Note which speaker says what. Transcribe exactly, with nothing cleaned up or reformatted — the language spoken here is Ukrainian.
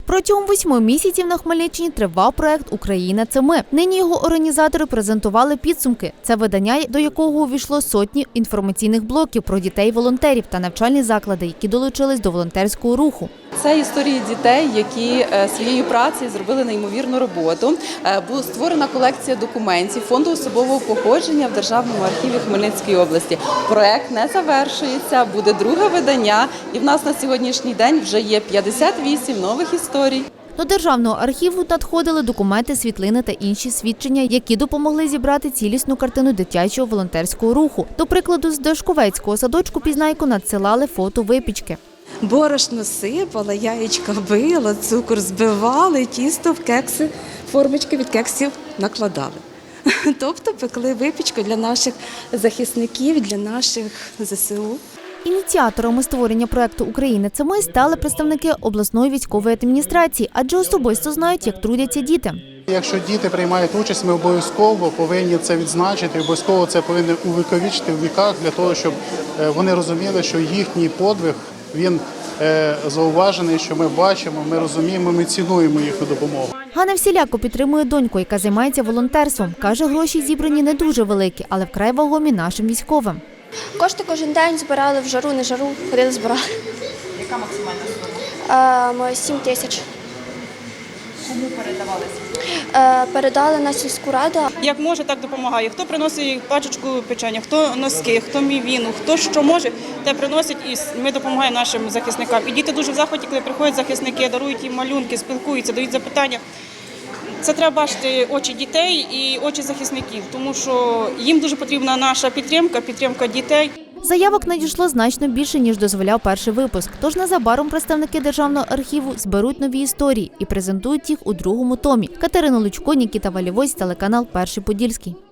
Speaker 1: Протягом восьми місяців на Хмельниччині тривав проект «Україна – це ми». Нині його організатори презентували підсумки. Це видання, до якого увійшло сотні інформаційних блоків про дітей-волонтерів та навчальні заклади, які долучились до волонтерського руху.
Speaker 2: Це історії дітей, які своєю працею зробили неймовірну роботу. Була створена колекція документів Фонду особового походження в Державному архіві Хмельницької області. Проект не завершується, буде друге видання, і в нас на сьогоднішній день вже є п'ятдесят вісім нових історій.
Speaker 1: До Державного архіву надходили документи, світлини та інші свідчення, які допомогли зібрати цілісну картину дитячого волонтерського руху. До прикладу, з Дашковецького садочку «Пізнайко» надсилали фото випічки.
Speaker 3: Борошно сипала, яєчка била, цукор збивали, тісто в кекси, формочки від кексів накладали. Тобто пекли випічку для наших захисників, для наших зе се у.
Speaker 1: Ініціаторами створення проекту «Україна – це ми» стали представники обласної військової адміністрації, адже особисто знають, як трудяться діти.
Speaker 4: Якщо діти приймають участь, ми обов'язково повинні це відзначити, обов'язково це повинні увіковічити в віках для того, щоб вони розуміли, що їхній подвиг, він зауважений, що ми бачимо, ми розуміємо, ми цінуємо їхню допомогу.
Speaker 1: Ганна всіляко підтримує доньку, яка займається волонтерством. Каже, гроші зібрані не дуже великі, але вкрай вагомі нашим військовим.
Speaker 5: Кошти кожен день збирали в жару, не жару, ходили збирали.
Speaker 2: Яка максимальна сума?
Speaker 5: Е, сім тисяч.
Speaker 2: Кому передавалися?
Speaker 5: Е, передали на сільську раду.
Speaker 6: Як може, так допомагає. Хто приносить пачечку печення, хто носки, хто мівіну, хто що може, те приносить, і ми допомагаємо нашим захисникам. І діти дуже в захваті, коли приходять захисники, дарують їм малюнки, спілкуються, дають запитання. Це треба бачити очі дітей і очі захисників, тому що їм дуже потрібна наша підтримка, підтримка дітей.
Speaker 1: Заявок надійшло значно більше, ніж дозволяв перший випуск. Тож незабаром представники Державного архіву зберуть нові історії і презентують їх у другому томі. Катерина Лучко, Нікіта Валівось, телеканал «Перший Подільський».